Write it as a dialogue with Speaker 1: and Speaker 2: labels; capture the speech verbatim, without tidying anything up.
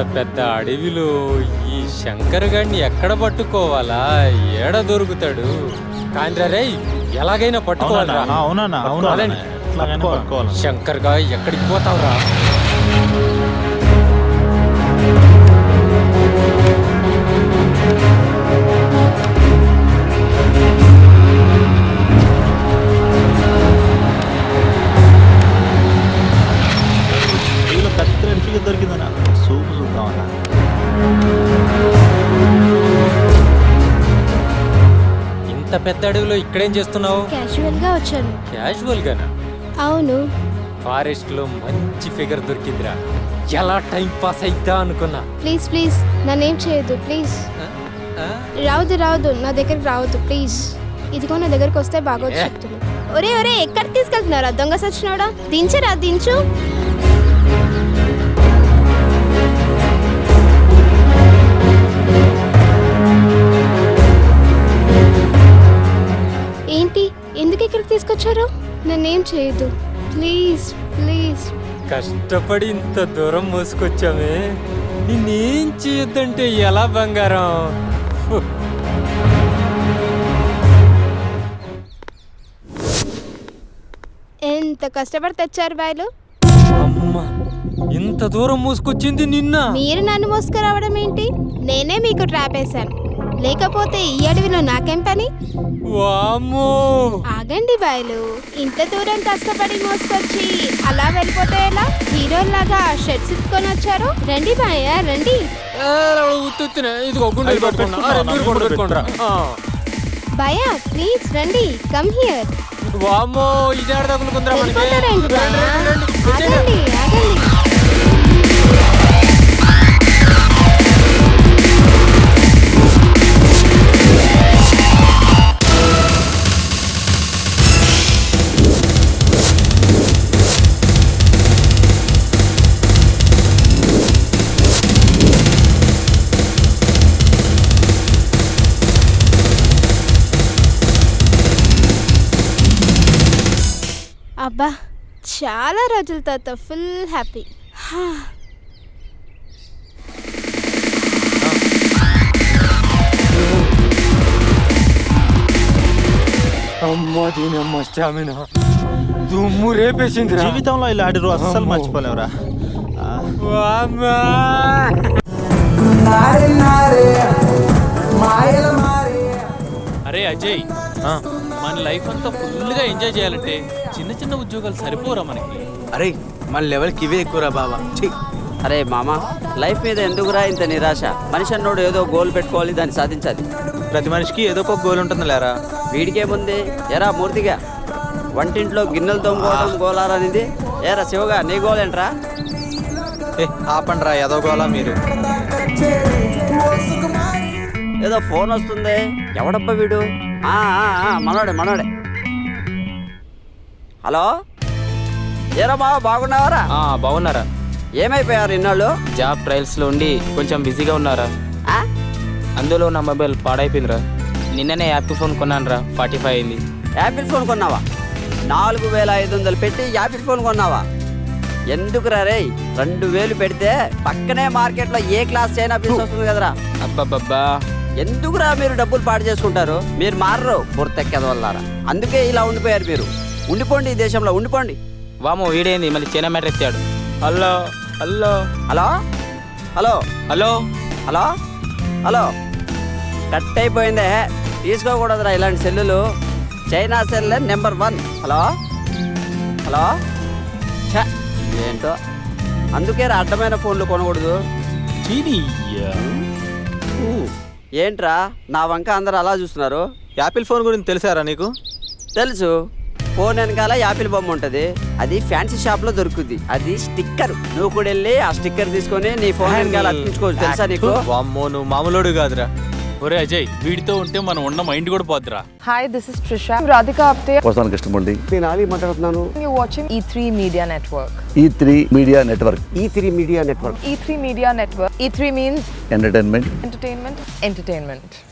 Speaker 1: పెద్ద అడవిలో ఈ శంకర్ గాడిని ఎక్కడ పట్టుకోవాలా? ఏడ దొరుకుతాడు? కాండ్రా రేయ్, ఎలాగైనా పట్టుకోవాలరా.
Speaker 2: అవునా అవునా
Speaker 1: శంకర్ గా ఎక్కడికి పోతావురా?
Speaker 2: దొరికిందన్నా సూపు చూద్దామన్నా.
Speaker 1: ఇంత పెద్ద అడవిలో ఇక్కడేం చేస్తున్నావు?
Speaker 3: క్యాజువల్ గా వచ్చాను.
Speaker 1: క్యాజువల్ గానా?
Speaker 3: అవును.
Speaker 1: ఫారెస్ట్ లో మంచి ఫిగర్ దొరికిందిరా. ఎలా టైం పాస్ అయిద్దా అనుకున్నా.
Speaker 3: ప్లీజ్ ప్లీజ్ నన్నేం చేయొద్దు ప్లీజ్. రావద్దు రావద్దు నా దగ్గరికి రావద్దు ప్లీజ్. ఇదిగో నా దగ్గరికి వస్తే బాగోదు చెప్తున్నా. ఒరే ఒరే ఎక్కడికి తీసుకెళ్తున్నారా దొంగ సచ్చినోడా? దించరా దించు. ఏంటి ఎందుకు ఇక్కడికి తీసుకొచ్చారు? నన్నేం చేయొద్దు ప్లీజ్ ప్లీజ్.
Speaker 1: కష్టపడి ఇంత దూరం మోసుకొచ్చామే, నిన్నేం చేయొద్దంటే ఎలా బంగారం?
Speaker 3: ఎంత కష్టపడి తెచ్చారు బాయ్లు.
Speaker 1: అమ్మా, ఇంత దూరం మోసుకొచ్చింది నిన్న.
Speaker 3: మీరు నన్ను మోసుకురావడం ఏంటి? నేనే మీకు ట్రాప్ వేశాను. లేకపోతే ఈ అడవిలో నాకేం పని?
Speaker 1: వామ్మో,
Speaker 3: ఆగండి బాయ్లు. ఇంత దూరం కష్టపడి మోసుకొచ్చి అలా వెళ్ళిపోతే ఎలా? హీరోలాగా షర్ట్స్ ఇచ్చుకొని వచ్చారు. రండి బాయ్య రండి. భయ ప్లీజ్ రండి, కమ్ హియర్.
Speaker 1: వామ్మో, ఇది ఆడదగులుకుందిరా మనకి.
Speaker 3: ఆగండి ఆగండి. అబ్బా, చాలా రోజుల తర్వాత ఫుల్ హ్యాపీ.
Speaker 1: అమ్మా దీనమ్మ స్టామినా దుమ్ము రేపేసింది.
Speaker 2: జీవితంలో ఇలా ఆడి రోజు అస్సలు మర్చిపోలేవురా.
Speaker 4: అరే అజయ్, మన లైఫ్ అంతా ఫుల్గా ఎంజాయ్ చేయాలంటే చిన్న చిన్న ఉద్యోగాలు సరిపోరా మనకి.
Speaker 5: అరే మన లెవెల్కి ఇవే ఎక్కువరా బాబా.
Speaker 6: అరే మామ, లైఫ్ మీద ఎందుకురా ఇంత నిరాశ? మనిషి అన్నోడు ఏదో గోల్ పెట్టుకోవాలి, దాన్ని సాధించాలి.
Speaker 5: ప్రతి మనిషికి ఏదో ఒక గోల్ ఉంటుంది లేరా.
Speaker 6: వీడికేముంది ఎరా మూర్తిగా? వంటింట్లో గిన్నెలు తోముకోవడం గోలారనిది. ఏరా శివగా, నీ గోల్ ఏంట్రా?
Speaker 5: ఏ ఆపండ్రా ఏదో గోలా మీరు.
Speaker 6: ఏదో ఫోన్ వస్తుంది. ఎవడబ్బా వీడు? ఆ, ఆ, ఆ, మనోడే మనోడే. హలో, ఏరా బావ బాగున్నావారా?
Speaker 7: బాగున్నారా?
Speaker 6: ఏమైపోయారు ఇన్నాళ్ళు?
Speaker 7: జాబ్ ట్రయల్స్ లో ఉండి కొంచెం బిజీగా ఉన్నారా. అందులో నా మొబైల్ పాడైపోయిందిరా. నిన్ననే యాపిల్ ఫోన్ కొన్నాను రా, ఫార్టీ ఫైవ్ అయింది.
Speaker 6: యాపిల్ ఫోన్ కొన్నావా? నాలుగు వేల ఐదు వందలు పెట్టి యాపిల్ ఫోన్ కొన్నావా? ఎందుకురా రే, రెండు వేలు పెడితే పక్కనే మార్కెట్లో ఏ క్లాస్ చైనా పీస్ వస్తుంది కదరా.
Speaker 7: అబ్బబ్బబ్బా,
Speaker 6: ఎందుకురా మీరు డబ్బులు పాడు చేసుకుంటారు? మీరు మారరు, బుర్తెక్కదవల్లారా. అందుకే ఇలా ఉండిపోయారు మీరు. ఉండిపోండి, ఈ దేశంలో ఉండిపోండి.
Speaker 7: వామో వీడేంది మళ్ళీ చైనా మ్యాటర్ ఎత్తాడు. Hello hello
Speaker 6: hello hello
Speaker 7: hello
Speaker 6: hello hello cut అయిపోయిందే. తీసుకోకూడదురా ఇలాంటి సెల్లులు. China cell number one. Hello hello ఛ, ఏంటో అందుకే అడ్డమైన ఫోన్లు కొనకూడదు. ఏంట్రా నా వంక అందరు అలా చూస్తున్నారు?
Speaker 5: యాపిల్ ఫోన్ గురించి తెలుసారా నీకు?
Speaker 6: తెలుసు. ఫోన్ వెనకాల యాపిల్ బొమ్మ ఉంటుంది. అది ఫ్యాన్సీ షాప్ లో దొరుకుతుంది. అది స్టిక్కర్. నువ్వు కూడా వెళ్ళి ఆ స్టిక్కర్ తీసుకొని నీ ఫోన్ వెనకాల అతికించుకోవచ్చు. తెలుసా నీకు?
Speaker 5: వామ్మో, నువ్వు మామూలుడు కాదురా.
Speaker 4: ఒరే అజయ్, వీడితో ఉంటే మనం ఉన్న మైండ్ కూడా పోద్దురా.
Speaker 8: Hi, this is Trisha. I'm Radhika Apte.
Speaker 9: వస్తాను కృష్ణమూర్తి.
Speaker 10: నేను ఆలీ మాట్లాడుతున్నాను.
Speaker 8: You're watching E three Media Network.
Speaker 9: E three Media Network.
Speaker 10: E three Media Network.
Speaker 8: E three Media Network. E three means
Speaker 9: entertainment.
Speaker 8: entertainment, entertainment.